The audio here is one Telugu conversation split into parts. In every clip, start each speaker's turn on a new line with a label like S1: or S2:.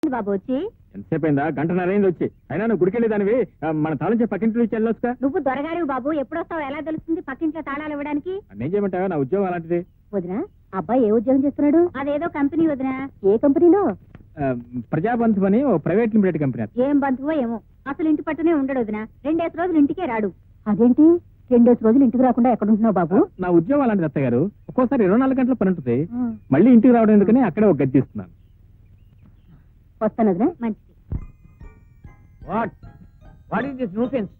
S1: బాబు వచ్చి
S2: ఎంతసేపు అయిందా? గంటన్నర అయింది వచ్చి. అయినా నువ్వు గుడికెళ్ళేదానివి మన తాళం పక్కింట్లో నుంచి వెళ్ళొచ్చుగా.
S1: నువ్వు దొరగారు బాబు, ఎప్పుడొస్తావు ఎలా తెలుస్తుంది పక్కింట్లో తాళాలు ఇవ్వడానికి?
S2: నేను చేయమంటావా? నా ఉద్యోగం అలాంటిది.
S1: వదినా, అబ్బాయి ఏ ఉద్యోగం చేస్తున్నాడు? అదేదో కంపెనీ వదినా. ఏ కంపెనీలో?
S2: ప్రజాబంధు అని ఓ ప్రైవేట్ లిమిటెడ్ కంపెనీ.
S1: ఏం బంధువో ఏమో, అసలు ఇంటి పట్టునే ఉండడు వదినా. 2 రోజులు ఇంటికే రాడు. అదేంటి 2 రోజులు ఇంటికి రాకుండా ఎక్కడుంటున్నావు బాబు?
S2: నా ఉద్యోగం అలాంటిది అత్తయ్య గారు. ఒక్కోసారి 24 గంటల పని ఉంటుంది. మళ్ళీ ఇంటికి రావడం ఎందుకని అక్కడే ఒక గది తీస్తున్నాను.
S1: వస్తాను వదినా. మంచిది.
S3: What is this nuisance?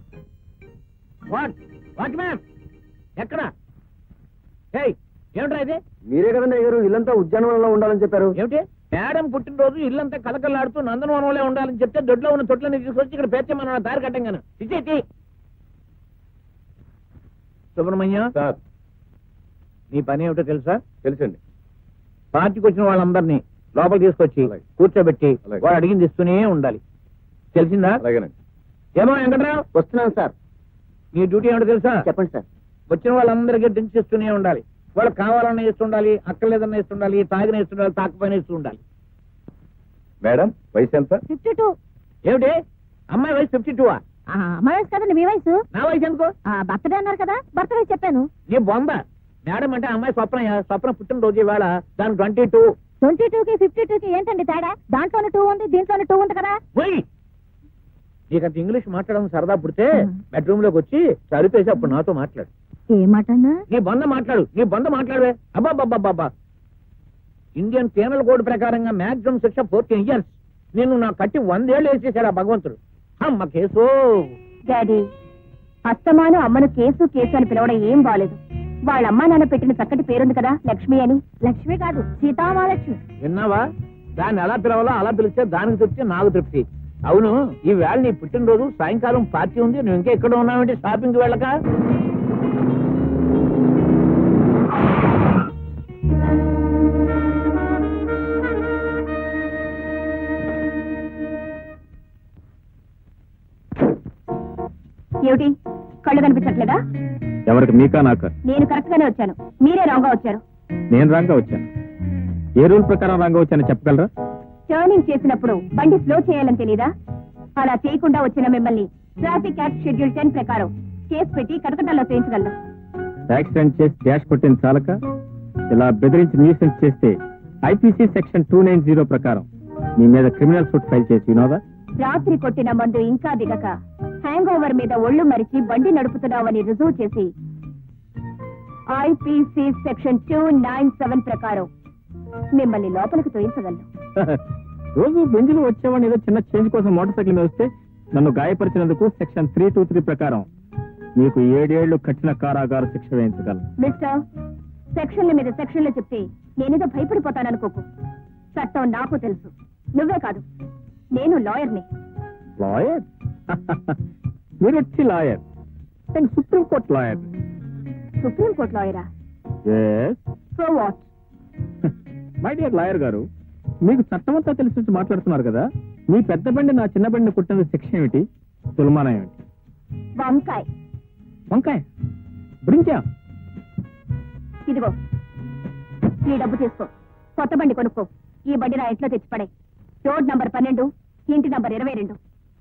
S3: What ma'am ఎక్కడ? ఏమిట్రా ఇది?
S4: మీరే కదండి అయ్యారు ఇల్లంతా ఉద్యానవనంలో ఉండాలని చెప్పారు.
S3: ఏమిటి మేడం పుట్టినరోజు ఇల్లంతా కలకల్లాడుతూ నందనవనంలో ఉండాలని చెప్తే దొడ్లో ఉన్న తొట్లని తీసుకొచ్చి ఇక్కడ పేర్చమన్న దారి కట్టంగాను. ఇచ్చేటి సుబ్రహ్మణ్యం
S4: సార్,
S3: నీ పని ఏమిటో తెలుసా?
S4: తెలుసండి.
S3: పార్టీకి వచ్చిన వాళ్ళందరినీ లోపల తీసుకొచ్చి
S4: అలాగే.
S3: కూర్చోబెట్టి
S4: అలాగే.
S3: వాడు అడిగింది ఇస్తూనే ఉండాలి. తెలిసిందా?
S4: అలాగేనండి.
S3: ఏమో వెంకట్రావు,
S4: వస్తున్నాను సార్.
S3: నీ డ్యూటీ ఏమిటో తెలుసా?
S4: చెప్పండి సార్.
S3: వచ్చిన వాళ్ళందరికీ డ్రింక్స్ ఇస్తూనే ఉండాలి. వాళ్ళకి కావాలన్నా ఇస్తుండాలి, అక్కర్లేదన్నా ఇస్తుండాలి, తాగిన ఇస్తుండాలి, తాకపోయినా ఇస్తూ ఉండాలి.
S4: మేడం వయసు ఎంత?
S1: 52.
S3: ఏమిటి అమ్మాయి వయసు 52?
S1: మా వయసు కదండి మీ వయసు.
S3: నా వయసు ఎందుకో?
S1: బర్త్డే అన్నారు కదా, బర్త్డే చెప్పాను.
S3: నీ బొంద. మేడం అంటే అమ్మాయి స్వప్న పుట్టినరోజు ఇవాళ. దాని 22.
S1: 22కి 52కి ఏంటండి తేడా? దాంట్లోనే 2 ఉంది, దీంట్లోనే 2 ఉంది కదా.
S3: పోయి నీకంత ఇంగ్లీష్ మాట్లాడడం సరదా పుడితే బెడ్రూమ్ లోకి వచ్చి సరిపేసి అప్పుడు నాతో మాట్లాడు.
S1: ఏ మాట అన్నా?
S3: నీ బంద మాట్లాడు, నీ బంద మాట్లాడవే. అబ్బాబ్బాబ్బా, ఇండియన్ పీనల్ కోడ్ ప్రకారంగా మాక్సిమం శిక్ష 14 years. నేను నా కట్టి 100 ఏళ్ళు వేసేసాడు ఆ భగవంతుడు. అమ్మ కేసు.
S1: డాడీ, అత్తమాను అమ్మను కేసు కేసు అని పిలవడం ఏం బాలేదు. వాళ్ళ అమ్మా నాన్న పెట్టిన చక్కటి పేరుంది కదా, లక్ష్మి అని. లక్ష్మి కాదు, సీతామహాలక్ష్మి.
S3: విన్నావా? దాన్ని ఎలా పిలవాలో అలా పిలిస్తే దానికి తృప్తి, నాకు తృప్తి. అవును, ఈ వేళ నీ పుట్టినరోజు, సాయంకాలం పార్టీ ఉంది. నువ్వు ఇంకా ఎక్కడ ఉన్నావంటే షాపింగ్ వెళ్ళక?
S1: ఏమిటి కళ్ళు కనిపించట్లేదా?
S2: ఎవరికి? మీకా నాకా?
S1: నేను కరెక్ట్ గానే వచ్చాను, మీరే రాంగ్ గా వచ్చారు.
S2: నేను రాంగా వచ్చాను. ఏ రూల్ ప్రకారం రాంగా వచ్చానో చెప్పగలరా?
S1: టర్నింగ్ చేసినప్పుడు బండి స్లో చేయాలని తెలీదా? అలా చేయకుండా వచ్చిన మిమ్మల్ని ట్రాఫిక్ యాక్ట్ షెడ్యూల్ 10 ప్రకారం కేసు పెట్టి కటకటాల్లో చేయించగలను.
S2: యాక్సిడెంట్ చేసి డాష్ కొట్టిన చాలక ఇలా బెదిరించి న్యూసెన్స్ చేస్తే ఐపీసీ సెక్షన్ 290 ప్రకారం మీ మీద క్రిమినల్ సూట్ ఫైల్ చేసి వినోదా?
S1: రాత్రి కొట్టిన మందు ఇంకా దిగక హ్యాంగ్ ఓవర్ మీద ఒళ్ళు మరిచి బండి నడుపుతున్నావని రుజువు చేసి ఐపీసీ సెక్షన్ 297 ప్రకారం మిమ్మల్ని లోపలికి తోయించగలను.
S2: రోజు బెంజులు వచ్చేవాడిని ఏదో చిన్న చేంజ్ కోసం మోటార్ సైకిల్ మీద వస్తే నన్ను గాయపరిచినందుకు సెక్షన్ 323 ప్రకారం మీకు 7 ఏళ్లు కఠిన కారాగార శిక్ష వేయించగలను.
S1: మిస్టర్, సెక్షన్ల మీద సెక్షన్లు చెప్తే నేనేదో భయపడిపోతాననుకోకు. చట్టం నాకు తెలుసు, నువ్వే కాదు, నేను లాయర్ని.
S2: లాయర్? మీరు వచ్చి లాయర్? నేను సుప్రీంకోర్టు లాయర్.
S1: సుప్రీంకోర్టు లాయరా? So what?
S2: My dear lawyer గారు, మీకు చట్టం అంతా తెలిసి మాట్లాడుతున్నారు కదా. మీ పెద్ద బండి నా చిన్న బండిని కుట్టిన శిక్ష ఏమిటి? తులమానం ఏమిటి?
S1: వంకాయ.
S2: వంకాయ? బ్రింజా?
S1: ఇదిగో ఈ డబ్బు తీసుకో, కొత్త బండి కొనుక్కో. ఈ బండి నా ఇంట్లో తెచ్చిపడే. రోడ్ నంబర్ 12, ఇంటి నంబర్ 22.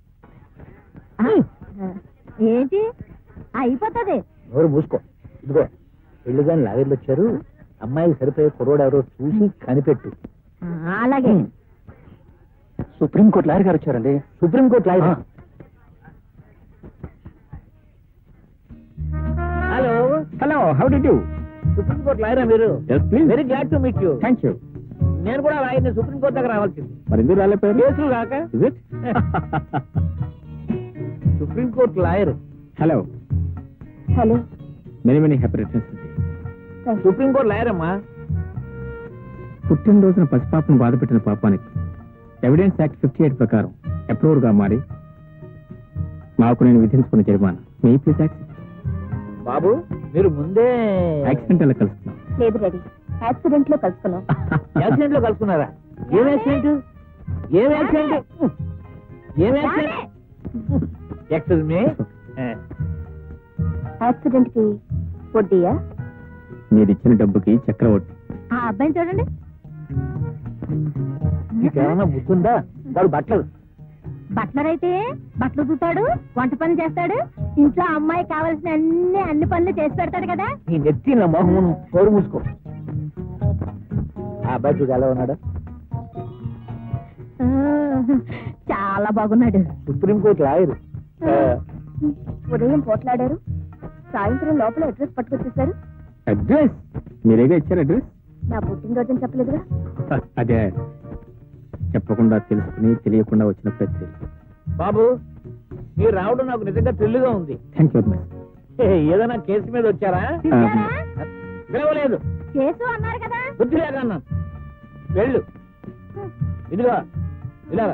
S1: ఏంటి అయిపోతుంది?
S3: ఎవరు మూసుకో. ఇదిగో పెళ్లి గాని లాగర్లు వచ్చారు. అమ్మాయికి సరిపోయే కుర్రోడు ఎవరో చూసి కనిపెట్టు.
S1: అలాగే.
S4: సుప్రీంకోర్టు లాయర్ గారు వచ్చారండి.
S3: Supreme court lawyer? Hello
S2: hello, how do you?
S3: Supreme court లాయరా మీరు?
S2: Yes please.
S3: Very glad to meet you.
S2: Thank you.
S3: నేను కూడా లాయర్ని. సుప్రీంకోర్టు దగ్గర రావాల్సింది.
S2: మరి ఎందుకు రాలేపోయారు?
S3: కేసులు కాక.
S2: Is it?
S3: Supreme court lawyer.
S2: Hello.
S1: Hello.
S2: Many happy returns.
S3: Supreme court lawyer అమ్మా.
S2: పుట్టినరోజున పసిపాపను బాధపెట్టిన పాపానికి ఎవిడెన్స్ యాక్ట్ 58 ప్రకారం అప్రూవర్ గా మారి నాకు నేను విధించుకున్న జరిమానా మీ ప్లీజ్ యాక్సెప్ట్.
S3: బాబు మీరు ముందే
S2: యాక్సిడెంట్ ఎలా కలుస్తున్నాం?
S1: లేదు డాడీ, యాక్సిడెంట్ లో కలుసుకున్నాం.
S3: యాక్సిడెంట్ లో కలుసుకున్నారా? ఏం యాక్సిడెంట్? ఏం యాక్సిడెంట్? ఏం యాక్సిడెంట్? Excuse me.
S1: యాక్సిడెంట్ కి వడ్డీయా?
S2: మీరు ఇచ్చిన డబ్బుకి చక్రవడ్డీ.
S1: ఆ అబ్బాయిని చూడండి.
S3: నీకేమన్నా బుద్ధుందా? వాడు బట్టలు
S1: బట్లర్ అయితే బట్టలు చూతాడు, వంట పనులు చేస్తాడు, ఇంట్లో అమ్మాయి కావాల్సిన అన్ని పనులు చేసి పెడతాడు కదా.
S3: నీ నెత్తి నా మొహమును కోరు మూసుకో. ఆ అబ్బాయి చూడు ఎలా ఉన్నాడు?
S1: ఆ, చాలా బాగున్నాడు.
S3: Supreme court lawyer.
S1: ఉదయం పోట్లాడారు, సాయంత్రం లోపల అడ్రస్ పట్టుకొచ్చేసారు.
S2: అడ్రస్ మీరేగా ఇచ్చారు అడ్రస్?
S1: నా పుట్టినరోజు చెప్పలేదుగా.
S2: అదే చెప్పకుండా తెలుసుకుని తెలియకుండా వచ్చిన ప్రతి.
S3: బాబు మీరు రావడం నాకు నిజంగా థ్రిల్లుగా ఉంది.
S2: థ్యాంక్ యూ వెరీ
S3: ఏదైనా కేసు మీద వచ్చారా?
S1: పిలిచారా?
S3: పిలవలేదు,
S1: కేసు అన్నారు కదా.
S3: బుద్ధి లేక అన్నాను. వెళ్ళు. ఇదిగో ఇలా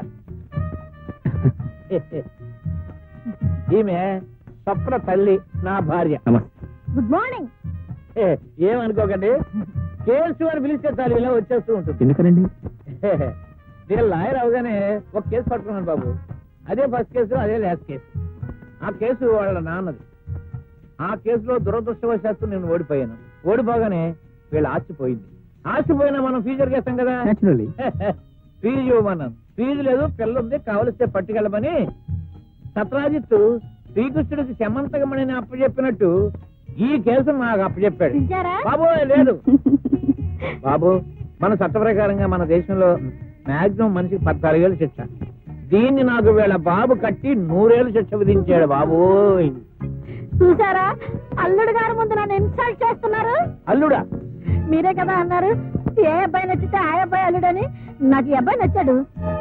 S3: ఈమె స్వప్న తల్లి, నా భార్య.
S2: నమస్తే.
S1: Good morning.
S3: ఏమనుకోకండి, కేసు అని పిలిస్తే చాలు ఇలా వచ్చేస్తూ ఉంటుంది.
S2: ఎందుకనండి?
S3: నేను లాయర్ అవగానే ఒక కేసు పట్టుకున్నాను బాబు. అదే ఫస్ట్ కేసు, అదే లాస్ట్ కేసు. ఆ కేసు వాళ్ళ నాన్నది. ఆ కేసులో దురదృష్టవశాత్తు నేను ఓడిపోయాను. ఓడిపోగానే వీళ్ళ ఆస్తిపోయింది. ఆస్తిపోయినా మనం ఫ్యూచర్ చేస్తాం కదా.
S2: Naturally.
S3: ఫీజు ఇవ్వమన్నాను. ఫీజు లేదు, పిల్ల ఉంది, కావలిస్తే పట్టుకెళ్ళమని సత్రాజిత్తు శ్రీకృష్ణుడికి శమంతకమణిని అప్పచెప్పినట్టు ఈ కేసు నాకు అప్పచెప్పాడు.
S1: పిలిచారా?
S3: బాబు లేదు బాబు, మన చట్ట ప్రకారంగా మన దేశంలో మాక్సిమం మనిషికి 14 ఏళ్ళు శిక్ష. దీన్ని నాకు వీళ్ళ బాబు కట్టి 100 ఏళ్ళు శిక్ష విధించాడు బాబు.
S1: చూసారా, అల్లుడు గారి ముందు నన్ను ఇన్సల్ట్ చేస్తున్నారు.
S3: అల్లుడా?
S1: మీరే కదా అన్నారు ఏ అబ్బాయి నచ్చితే ఆ అబ్బాయి అల్లుడని. నాకు ఈ అబ్బాయి నచ్చాడు.